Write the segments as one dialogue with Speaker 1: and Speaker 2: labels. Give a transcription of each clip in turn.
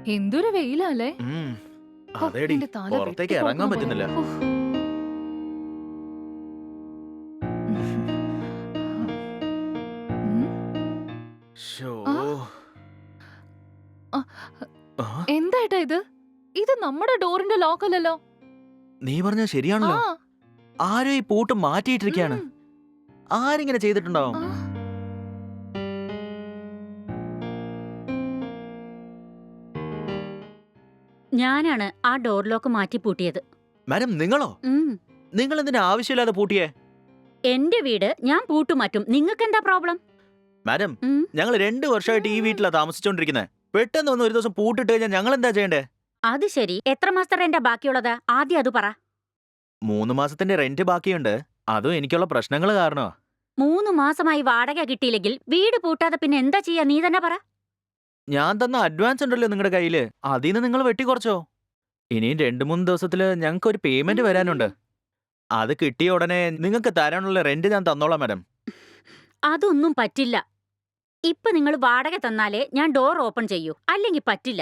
Speaker 1: എന്തൊരു വെയിലല്ലേ.
Speaker 2: അതേടി, പുറത്തേക്ക് ഇറങ്ങാൻ പറ്റുന്നില്ല.
Speaker 1: എന്തായിട്ടാ ഇത്? ഇത് നമ്മുടെ ഡോറിന്റെ ലോക്ക് അല്ലല്ലോ.
Speaker 2: നീ പറഞ്ഞ ശരിയാണല്ലോ. ആരോ ഈ പൂട്ട് മാറ്റിയിട്ടിരിക്കാണ്. ആരിങ്ങനെ ചെയ്തിട്ടുണ്ടാവും?
Speaker 3: ഞാനാണ് ആ ഡോർ ലോക്ക് മാറ്റി പൂട്ടിയത്.
Speaker 2: മാഡം, നിങ്ങളോ? നിങ്ങൾ എന്തിനാ ആവശ്യമില്ലാതെ പൂട്ടിയേ?
Speaker 3: എന്റെ വീട് ഞാൻ പൂട്ടുമാറ്റും. നിങ്ങൾക്ക് എന്താ പ്രോബ്ലം?
Speaker 2: മാഡം, ഞങ്ങൾ 2 വർഷമായിട്ട് ഈ വീട്ടിലാ താമസിച്ചോണ്ടിരിക്കുന്നത്. പെട്ടെന്ന് വന്ന് ഒരു ദിവസം പൂട്ടിട്ട് കഴിഞ്ഞാൽ ഞങ്ങൾ എന്താ ചെയ്യണ്ടേ?
Speaker 3: അത് ശരി. എത്ര മാസത്തെ റെന്റാ ബാക്കിയുള്ളത്? ആദ്യം അത് പറ.
Speaker 2: 3 മാസത്തിന്റെ റെന്റ് ബാക്കിയുണ്ട്. അതും എനിക്കുള്ള പ്രശ്നങ്ങൾ കാരണമാ.
Speaker 3: 3 മാസമായി വാടക കിട്ടിയില്ലെങ്കിൽ വീട് പൂട്ടാതെ പിന്നെ എന്താ ചെയ്യാ? നീ തന്നെ പറ.
Speaker 2: ഞാൻ തന്ന അഡ്വാൻസ് ഉണ്ടല്ലോ നിങ്ങളുടെ കയ്യില്, അതിന് നിങ്ങൾ വെട്ടിക്കുറച്ചോ? ഇനിയും 2-3 ദിവസത്തില് ഞങ്ങൾക്ക് ഒരു പേയ്മെന്റ് വരാനുണ്ട്. അത് കിട്ടിയ ഉടനെ നിങ്ങൾക്ക് തരാനുള്ള റെന്റ് ഞാൻ തന്നോളാം മാഡം.
Speaker 3: അതൊന്നും പറ്റില്ല. ഇപ്പൊ നിങ്ങൾ വാടക തന്നാലേ ഞാൻ ഡോർ ഓപ്പൺ ചെയ്യൂ, അല്ലെങ്കിൽ പറ്റില്ല.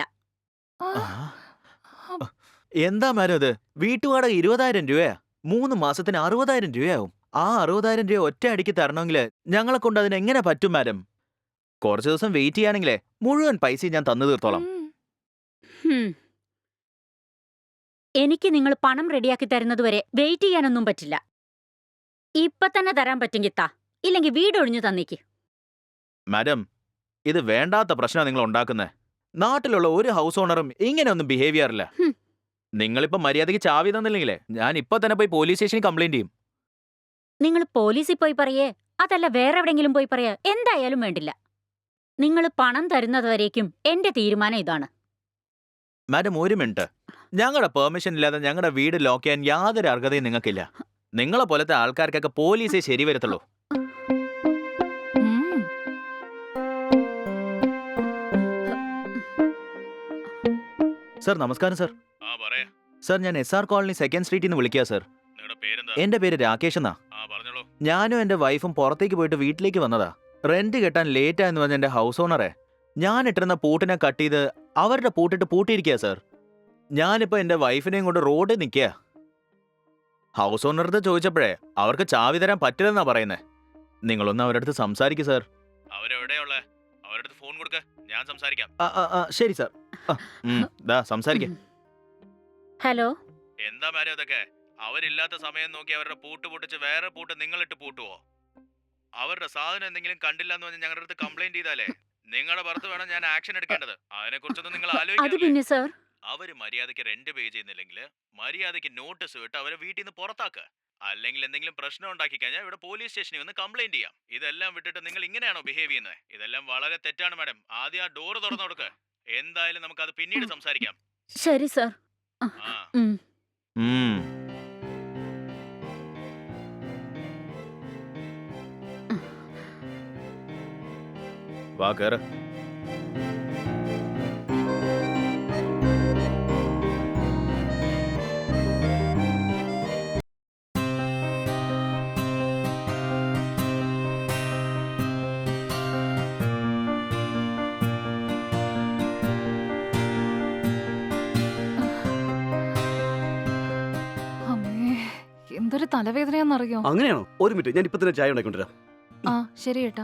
Speaker 2: എന്താ മാഡം ഇത്? വീട്ടുവാടക 20,000 രൂപയാ. 3 മാസത്തിന് 60,000 രൂപയാവും. ആ 60,000 രൂപ ഒറ്റ അടിക്ക് തരണമെങ്കിൽ ഞങ്ങളെ കൊണ്ട് അതിന് എങ്ങനെ പറ്റും മാഡം? കുറച്ച് ദിവസം വെയിറ്റ് ചെയ്യാണെങ്കിലേ മുഴുവൻ പൈസ ഞാൻ തന്നു തീർത്തോളാം.
Speaker 3: എനിക്ക് നിങ്ങൾ പണം റെഡിയാക്കി തരുന്നതുവരെ വെയിറ്റ് ചെയ്യാനൊന്നും പറ്റില്ല. ഇപ്പൊ തന്നെ തരാൻ പറ്റുമെങ്കിൽ താ, ഇല്ലെങ്കിൽ വീട് ഒഴിഞ്ഞു തന്നേക്ക്.
Speaker 2: മാഡം, ഇത് വേണ്ടാത്ത പ്രശ്നം നിങ്ങൾ ഉണ്ടാക്കുന്നത്. നാട്ടിലുള്ള ഒരു ഹൗസ് ഓണറും ഇങ്ങനെയൊന്നും ബിഹേവ് ചെയ്യാറില്ല. നിങ്ങളിപ്പോ മര്യാദയ്ക്ക് ചാവി തന്നില്ലെങ്കിലേ ഞാൻ ഇപ്പൊ തന്നെ പോയി പോലീസ് സ്റ്റേഷനിൽ കംപ്ലൈന്റ് ചെയ്യും.
Speaker 3: നിങ്ങൾ പോലീസിൽ പോയി പറയേ, അതല്ല വേറെ എവിടെങ്കിലും പോയി പറയേ, എന്തായാലും വേണ്ടില്ല. നിങ്ങൾ പണം തരുന്നതുവരേക്കും എന്റെ തീരുമാനം ഇതാണ്.
Speaker 2: മാഡം, ഒരു മിനിറ്റ്. ഞങ്ങളുടെ പെർമിഷൻ ഇല്ലാതെ ഞങ്ങളുടെ വീട് ലോക്ക് ചെയ്യാൻ യാതൊരു അർഹതയും നിങ്ങൾക്കില്ല. നിങ്ങളെ പോലത്തെ ആൾക്കാർക്കൊക്കെ പോലീസേ ശരി വരത്തുള്ളൂ. സർ, നമസ്കാരം സർ. സർ, ഞാൻ SR കോളനി 2nd സ്ട്രീറ്റിൽ നിന്ന് വിളിക്കുക സർ. എന്റെ പേര് രാകേഷ് എന്നാ. ഞാനും എന്റെ വൈഫും പുറത്തേക്ക് പോയിട്ട് വീട്ടിലേക്ക് വന്നതാ. റെന്റ് കെട്ടാൻ ലേറ്റ് ആയെന്ന് പറഞ്ഞ എന്റെ ഹൗസ് ഓണറെ ഞാൻ ഇട്ടിരുന്ന പൂട്ടിനെ കട്ട് ചെയ്ത് അവരുടെ പൂട്ടിട്ട് പൂട്ടിയിരിക്കുക സർ. ഞാനിപ്പോ എന്റെ വൈഫിനെയും കൊണ്ട് റോഡിൽ നിൽക്കുക. ഹൗസ് ഓണറടുത്ത് ചോദിച്ചപ്പോഴേ അവർക്ക് ചാവി തരാൻ പറ്റില്ലെന്നാ പറയുന്നേ. നിങ്ങളൊന്ന് അവരുടെ അടുത്ത് സംസാരിക്കും സർ. അവരെവിടെയുള്ള അവരുടെ ഫോൺ കൊടുക്ക, ഞാൻ സംസാരിക്കാം. ശരി സർ. സംസാരിക്കാം.
Speaker 3: ഹലോ.
Speaker 2: എന്താ മാഡം ഇതൊക്കെ? അവരില്ലാത്ത സമയം നോക്കി അവരുടെ പൂട്ട് പൊട്ടിച്ച് വേറെ പൂട്ട് നിങ്ങളിട്ട് പൂട്ടുവോ? അവരുടെ സാധനം എന്തെങ്കിലും കണ്ടില്ല എന്ന് പറഞ്ഞ് ഞങ്ങളുടെ അടുത്ത് കംപ്ലൈന്റ് ചെയ്താലേ നിങ്ങളുടെ പുറത്ത് വേണം ഞാൻ ആക്ഷൻ എടുക്കേണ്ടത്. അതിനെ കുറിച്ചൊന്നും നിങ്ങൾ ആലോചിക്കില്ല. അവര് മര്യാദയ്ക്ക് റെന്റ് പേ ചെയ്യുന്നില്ലെങ്കിൽ മര്യാദയ്ക്ക് നോട്ടീസ് വിട്ട് അവരെ വീട്ടിൽ നിന്ന് പുറത്താക്കുക. അല്ലെങ്കിൽ എന്തെങ്കിലും പ്രശ്നം ഉണ്ടാക്കി കഴിഞ്ഞാൽ ഇവിടെ പോലീസ് സ്റ്റേഷനിൽ വന്ന് കംപ്ലൈന്റ് ചെയ്യാം. ഇതെല്ലാം വിട്ടിട്ട് നിങ്ങൾ ഇങ്ങനെയാണോ ബിഹേവ് ചെയ്യുന്നത്? ഇതെല്ലാം വളരെ തെറ്റാണ് മാഡം. ആദ്യം ആ ഡോർ തുറന്നു കൊടുക്കുക. എന്തായാലും നമുക്ക് അത് പിന്നീട് സംസാരിക്കാം.
Speaker 3: ശരി സർ.
Speaker 2: വാ, കേറ്.
Speaker 1: എന്തൊരു തലവേദനയാന്നറിയോ?
Speaker 4: അങ്ങനെയാണോ? ഒരു മിനിറ്റ്, ഞാൻ ഇപ്പൊ തന്നെ ചായ ഉണ്ടാക്കിക്കൊണ്ടിരാം.
Speaker 1: ശരി ഏട്ടാ.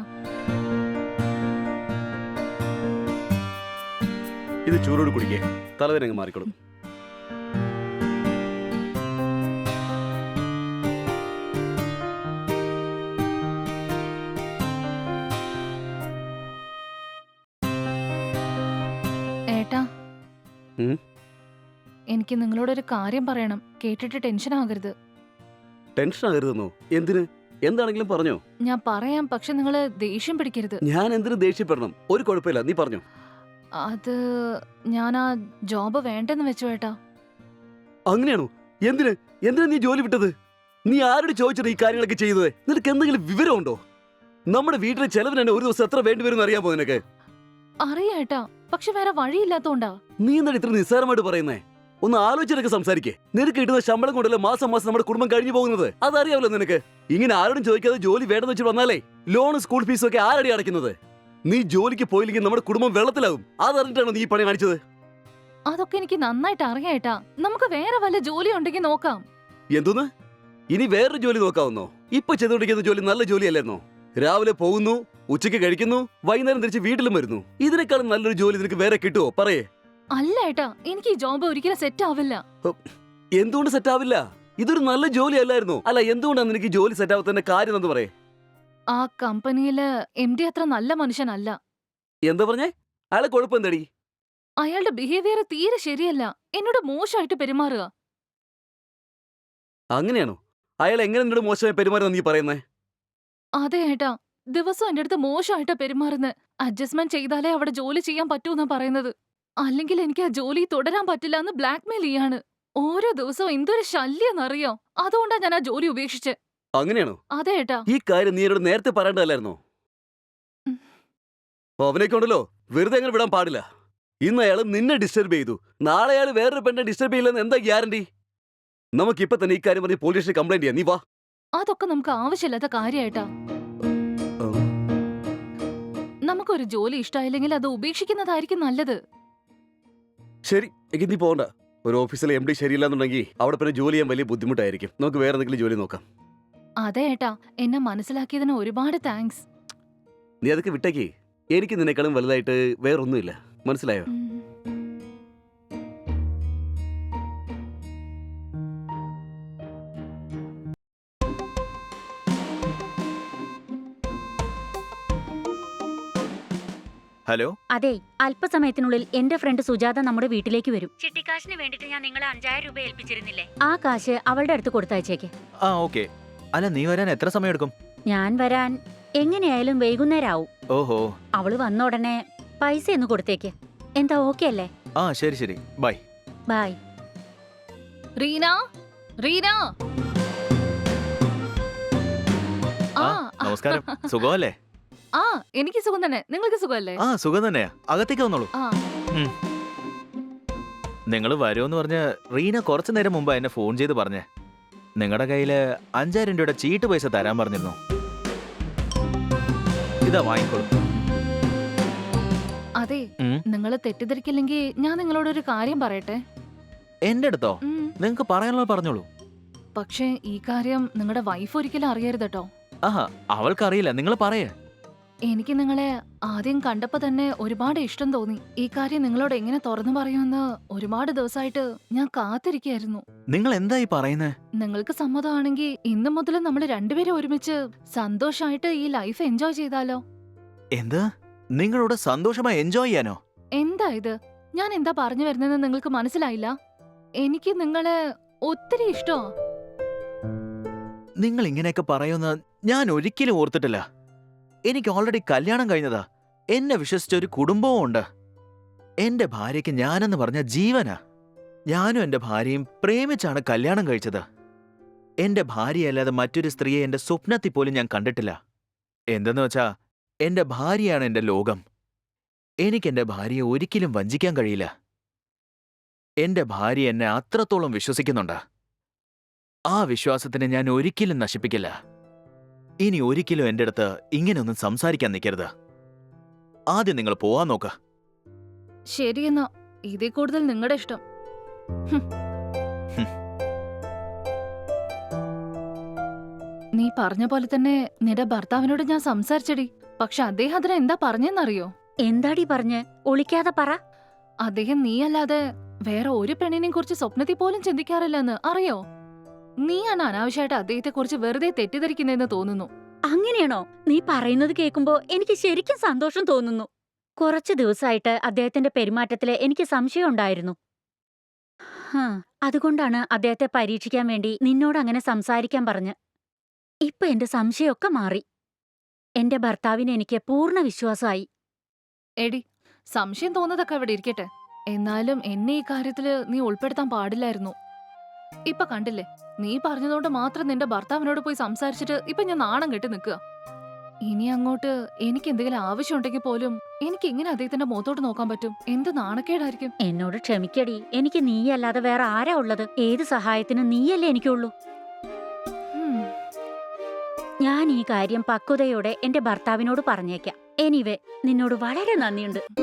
Speaker 4: ഇത് ചൂടോട് കുടിക്കേ, തലവേദന അങ്ങ് മാറിക്കോളും.
Speaker 1: ഏട്ടാ, എനിക്ക് നിങ്ങളോടൊരു കാര്യം പറയണം. കേട്ടിട്ട് ടെൻഷൻ ആകരുത്.
Speaker 4: ടെൻഷൻ ആകരുതെന്നോ? എന്തിന്? എന്താണെങ്കിലും പറഞ്ഞോ.
Speaker 1: ഞാൻ പറയാം, പക്ഷെ നിങ്ങള് ദേഷ്യം പിടിക്കരുത്.
Speaker 4: ഞാൻ എന്തിനു ദേഷ്യപ്പെടണം? ഒരു കുഴപ്പമില്ല, നീ പറഞ്ഞോ.
Speaker 1: അത് ഞാൻ ആ ജോബ് വേണ്ടെന്ന് വെച്ചു ഏട്ടാ.
Speaker 4: അങ്ങനെയാണോ? എന്തിന്? എന്തിനാ നീ ജോലി വിട്ടത്? നീ ആരോട് ചോദിച്ചത് ഈ കാര്യങ്ങളൊക്കെ ചെയ്യുന്നത്? നിനക്ക് എന്തെങ്കിലും വിവരമുണ്ടോ? നമ്മുടെ വീട്ടിലെ ചെലവിന് തന്നെ ഒരു ദിവസം എത്ര വേണ്ടിവരും അറിയാമോ നിനക്ക്?
Speaker 1: അറിയാട്ടാ, പക്ഷെ വേറെ വഴിയില്ലാത്തോണ്ടാ.
Speaker 4: നീ എന്താണ് ഇത്ര നിസ്സാരമായിട്ട് പറയുന്നേ? ഒന്ന് ആലോചിച്ചൊക്കെ സംസാരിക്കേ. നിനക്ക് കിട്ടുന്ന ശമ്പളം കൊണ്ടല്ലേ മാസം മാസം നമ്മുടെ കുടുംബം കഴിഞ്ഞു പോകുന്നത്. അതറിയാമല്ലോ നിനക്ക്. ഇങ്ങനെ ആരോടും ചോദിക്കാതെ ജോലി വേണ്ടെന്ന് വെച്ച് വന്നാലേ ലോൺ, സ്കൂൾ ഫീസും ഒക്കെ ആരടി അടയ്ക്കുന്നത്? നീ ജോലിക്ക് പോയില്ലെങ്കിൽ നമ്മുടെ കുടുംബം വെള്ളത്തിലാകും. അതറിഞ്ഞിട്ടാണോ നീ പണി കാണിച്ചത്?
Speaker 1: അതൊക്കെ എനിക്ക് നന്നായിട്ട് അറിയാട്ടാ. നമുക്ക് വേറെ വല്ല ജോലി ഉണ്ടെങ്കിൽ നോക്കാം.
Speaker 4: എന്തോന്ന്? ഇനി വേറൊരു ജോലി നോക്കാവുന്നോ? ഇപ്പൊ ചെയ്തുകൊണ്ടിരിക്കുന്ന ജോലി നല്ല ജോലിയല്ലായിരുന്നോ? രാവിലെ പോകുന്നു, ഉച്ചയ്ക്ക് കഴിക്കുന്നു, വൈകുന്നേരം തിരിച്ച് വീട്ടിലും വരുന്നു. ഇതിനേക്കാളും നല്ലൊരു ജോലി നിനക്ക് വേറെ കിട്ടുമോ? പറയേ.
Speaker 1: അല്ല ഏട്ടാ, എനിക്ക് ഈ ജോബ് ഒരിക്കലും സെറ്റ് ആവില്ല.
Speaker 4: എന്തുകൊണ്ട് സെറ്റ് ആവില്ല? ഇതൊരു നല്ല ജോലി അല്ലായിരുന്നോ? അല്ല, എന്തുകൊണ്ടാണ് നിനക്ക് ഈ ജോലി സെറ്റ് ആവാത്തതിന്റെ കാര്യം എന്ന് പറയേ.
Speaker 1: ആ കമ്പനിയില് MD അത്ര നല്ല മനുഷ്യനല്ല.
Speaker 4: എന്താ പറഞ്ഞേ? അയാളെ കുഴപ്പം എന്തടി?
Speaker 1: അയാളുടെ ബിഹേവിയർ തീരെ ശരിയല്ല. എന്നോട് മോശമായിട്ട് പെരുമാറുക.
Speaker 4: അങ്ങനെയാണോ? അയാൾ എങ്ങനെ നിന്നോട് മോശമായി പെരുമാറുന്ന നീ പറയുന്നേ?
Speaker 1: അതെ ഏട്ടാ, ദിവസം എന്റെ അടുത്ത് മോശമായിട്ട് പെരുമാറുന്നത്. അഡ്ജസ്റ്റ്മെന്റ് ചെയ്താലേ അവിടെ ജോലി ചെയ്യാൻ പറ്റൂന്നാ പറയുന്നത്. അല്ലെങ്കിൽ എനിക്ക് ആ ജോലി തുടരാൻ പറ്റില്ല എന്ന് ബ്ലാക്ക്മെയിൽ ചെയ്യാണ്. ഓരോ ദിവസവും എന്തൊരു ശല്യെന്നറിയോ. അതുകൊണ്ടാ ഞാൻ ആ ജോലി ഉപേക്ഷിച്ച്.
Speaker 4: അങ്ങനെയാണോ?
Speaker 1: അതെ ഏട്ടാ.
Speaker 4: ഈ കാര്യം നീ എന്നോട് നേരത്തെ പറയേണ്ടതല്ലായിരുന്നോ?
Speaker 1: ഉം.
Speaker 4: അവനൊക്കെ ഉണ്ടല്ലോ, വെറുതെ അങ്ങനെ വിടാൻ പാടില്ല. ഇന്ന് അയാൾ നിന്നെ ഡിസ്റ്റർബ് ചെയ്തു, നാളെ അയാൾ വേറൊരു പെണ്ണെ ഡിസ്റ്റർബ് ചെയ്യില്ലെന്ന് എന്താ ഗ്യാരണ്ടി? നമുക്കിപ്പൊ തന്നെ ഈ കാര്യം പറഞ്ഞ് പോലീസ് സ്റ്റേഷനിൽ കംപ്ലൈന്റ് ചെയ്യാം. നീ വാ.
Speaker 1: അതൊക്കെ നമുക്ക് ആവശ്യമില്ലാത്ത കാര്യായിട്ടാ. നമുക്കൊരു ജോലി ഇഷ്ടമായില്ലെങ്കിൽ അത് ഉപേക്ഷിക്കുന്നതായിരിക്കും നല്ലത്.
Speaker 4: ശരി, എങ്കിൽ നീ പോകണ്ട. ഒരു ഓഫീസിലെ MD ശരിയില്ലാന്നുണ്ടെങ്കിൽ അവിടെ പിന്നെ ജോലി ചെയ്യാൻ വലിയ ബുദ്ധിമുട്ടായിരിക്കും. നമുക്ക് വേറെ എന്തെങ്കിലും ജോലി നോക്കാം.
Speaker 1: അതെ ഏട്ടാ, എന്നെ മനസ്സിലാക്കിയതിന് ഒരുപാട് താങ്ക്സ്.
Speaker 4: നീ അതൊക്കെ വിട്ടേക്ക്. എനിക്ക് നിന്നെക്കാളും വലുതായിട്ട് വേറൊന്നുമില്ല. മനസ്സിലായോ?
Speaker 2: ഹലോ.
Speaker 3: അതെ, അല്പസമയത്തിനുള്ളിൽ എന്റെ ഫ്രണ്ട് സുജാത നമ്മുടെ വീട്ടിലേക്ക് വരും. ചിട്ടിക്കാശിന് വേണ്ടിട്ട് ഞാൻ നിങ്ങളെ 5000 രൂപ ഏൽപ്പിച്ചിരുന്നില്ലേ? ആ കാശ് അവളുടെ അടുത്ത് കൊടുത്തയച്ചേക്ക്.
Speaker 2: ആ ഓക്കെ. അല്ല, നീ വരാൻ എത്ര സമയം എടുക്കും?
Speaker 3: ഞാൻ വരാൻ എങ്ങനെയായാലും വൈകുന്നേരം ആവും.
Speaker 2: ഓഹോ.
Speaker 3: അവള് വന്ന ഉടനെ പൈസ ഒന്ന് കൊടുത്തേക്ക്. എന്താ ഓക്കെ അല്ലേ?
Speaker 2: ആ ശരി ശരി, ബൈ.
Speaker 3: ബൈ.
Speaker 1: റീന, റീന.
Speaker 2: ആ നമസ്കാരം. സുഖമല്ലേ?
Speaker 1: ആ എനിക്ക് സുഖം തന്നെ. നിങ്ങൾക്ക് സുഖമല്ലേ?
Speaker 2: ആ സുഖം തന്നെയാ. അകത്തേക്ക് വന്നോളൂ.
Speaker 1: ആ
Speaker 2: നിങ്ങൾ വരുമെന്ന് പറഞ്ഞ് റീന കുറച്ചു നേരം മുമ്പ് എന്നെ ഫോൺ ചെയ്ത് പറഞ്ഞേ. നിങ്ങളുടെ കയ്യില് 5000 രൂപയുടെ ചീട്ട് പൈസ തരാൻ പറഞ്ഞിരുന്നു. ഇതാ വാങ്ങിക്കോളൂ.
Speaker 1: അതെ, നിങ്ങൾ തെറ്റിദ്ധരിക്കില്ലെങ്കിൽ ഞാൻ നിങ്ങളോടൊരു കാര്യം പറയട്ടെ.
Speaker 2: എന്റെ അടുത്തോ? നിങ്ങക്ക് പറയാനുള്ള പറഞ്ഞോളൂ.
Speaker 1: പക്ഷേ ഈ കാര്യം നിങ്ങളുടെ വൈഫ് ഒരിക്കലും അറിയരുത് കേട്ടോ.
Speaker 2: ആഹാ, അവൾക്കറിയില്ല. നിങ്ങൾ പറയേ.
Speaker 1: എനിക്ക് നിങ്ങളെ ആദ്യം കണ്ടപ്പോ തന്നെ ഒരുപാട് ഇഷ്ടം തോന്നി. ഈ കാര്യം നിങ്ങളോട് എങ്ങനെ തുറന്നു പറയുമെന്ന് ഒരുപാട് ദിവസമായിട്ട് ഞാൻ കാത്തിരിക്കായിരുന്നു.
Speaker 2: നിങ്ങൾ എന്തായി പറയുന്നേ?
Speaker 1: നിങ്ങൾക്ക് സമ്മതമാണെങ്കിൽ ഇന്നു മുതൽ നമ്മൾ രണ്ടുപേരും ഒരുമിച്ച് സന്തോഷമായിട്ട് ഈ ലൈഫ് എൻജോയ് ചെയ്താലോ?
Speaker 2: എന്ത്? നിങ്ങളോട് സന്തോഷമായി എൻജോയ് ചെയ്യാനോ?
Speaker 1: എന്താ ഇത്? ഞാൻ എന്താ പറഞ്ഞു വരുന്നതെന്ന് നിങ്ങൾക്ക് മനസ്സിലായില്ല? എനിക്ക് നിങ്ങളെ ഒത്തിരി ഇഷ്ടോ.
Speaker 2: നിങ്ങൾ ഇങ്ങനെയൊക്കെ പറയുന്ന ഞാൻ ഒരിക്കലും ഓർത്തിട്ടില്ല. എനിക്ക് ഓൾറെഡി കല്യാണം കഴിഞ്ഞതാ. എന്നെ വിശ്വസിച്ച ഒരു കുടുംബവും ഉണ്ട്. എന്റെ ഭാര്യയ്ക്ക് ഞാനെന്ന് പറഞ്ഞ ജീവനാ. ഞാനും എന്റെ ഭാര്യയും പ്രേമിച്ചാണ് കല്യാണം കഴിച്ചത്. എന്റെ ഭാര്യയല്ലാതെ മറ്റൊരു സ്ത്രീയെ എന്റെ സ്വപ്നത്തിൽ പോലും ഞാൻ കണ്ടിട്ടില്ല. എന്തെന്ന് വെച്ചാ, എന്റെ ഭാര്യയാണ് എന്റെ ലോകം. എനിക്കെന്റെ ഭാര്യയെ ഒരിക്കലും വഞ്ചിക്കാൻ കഴിയില്ല. എന്റെ ഭാര്യ എന്നെ അത്രത്തോളം വിശ്വസിക്കുന്നുണ്ട്. ആ വിശ്വാസത്തിനെ ഞാൻ ഒരിക്കലും നശിപ്പിക്കില്ല. ഇനി ഒരിക്കലും എന്റെ അടുത്ത് ഇങ്ങനെയൊന്നും സംസാരിക്കാൻ നിൽക്കരുത്. ആദ്യം നിങ്ങൾ പോവാൻ നോക്ക.
Speaker 1: ശരിയെന്നാ, ഇതിൽ കൂടുതൽ നിങ്ങളുടെ ഇഷ്ടം. നീ പറഞ്ഞ പോലെ തന്നെ നിന്റെ ഭർത്താവിനോട് ഞാൻ സംസാരിച്ചടി. പക്ഷെ അദ്ദേഹം അതിന് എന്താ പറഞ്ഞെന്നറിയോ?
Speaker 3: എന്താടി പറഞ്ഞ്? ഒളിക്കാതെ പറ.
Speaker 1: അദ്ദേഹം നീയല്ലാതെ വേറെ ഒരു പെണ്ണിനെയും കുറിച്ച് സ്വപ്നത്തിൽ പോലും ചിന്തിക്കാറില്ലെന്ന് അറിയോ? നീയാണ് അനാവശ്യമായിട്ട് അദ്ദേഹത്തെ കുറിച്ച് വെറുതെ തെറ്റിദ്ധരിക്കുന്നതെന്ന് തോന്നുന്നു.
Speaker 3: അങ്ങനെയാണോ? നീ പറയുന്നത് കേൾക്കുമ്പോ എനിക്ക് ശരിക്കും സന്തോഷം തോന്നുന്നു. കുറച്ചു ദിവസമായിട്ട് അദ്ദേഹത്തിന്റെ പെരുമാറ്റത്തില് എനിക്ക് സംശയം ഉണ്ടായിരുന്നു. അതുകൊണ്ടാണ് അദ്ദേഹത്തെ പരീക്ഷിക്കാൻ വേണ്ടി നിന്നോട് അങ്ങനെ സംസാരിക്കാൻ പറഞ്ഞ്. ഇപ്പൊ എന്റെ സംശയമൊക്കെ മാറി. എന്റെ ഭർത്താവിന് എനിക്ക് പൂർണ്ണ വിശ്വാസമായി.
Speaker 1: എടി, സംശയം തോന്നുന്നതൊക്കെ അവിടെ ഇരിക്കട്ടെ. എന്നാലും എന്നെ ഈ കാര്യത്തില് നീ ഉൾപ്പെടുത്താൻ പാടില്ലായിരുന്നു. ഇപ്പൊ കണ്ടില്ലേ, നീ പറഞ്ഞതുകൊണ്ട് മാത്രം നിന്റെ ഭർത്താവിനോട് പോയി സംസാരിച്ചിട്ട് ഇപ്പൊ ഞാൻ നാണം കെട്ടി നിൽക്കുക. ഇനി അങ്ങോട്ട് എനിക്ക് എന്തെങ്കിലും ആവശ്യമുണ്ടെങ്കിൽ പോലും എനിക്ക് എങ്ങനെ അദ്ദേഹത്തിന്റെ മുഖത്തോട്ട് നോക്കാൻ പറ്റും? എന്ത് നാണക്കേടായിരിക്കും.
Speaker 3: എന്നോട് ക്ഷമിക്കടി. എനിക്ക് നീയല്ലാതെ വേറെ ആരാ ഉള്ളത്? ഏത് സഹായത്തിനും നീയല്ലേ എനിക്കുള്ളൂ. ഞാൻ ഈ കാര്യം പക്വതയോടെ എന്റെ ഭർത്താവിനോട് പറഞ്ഞേക്കാം. എനിവേ, നിന്നോട് വളരെ നന്ദിയുണ്ട്.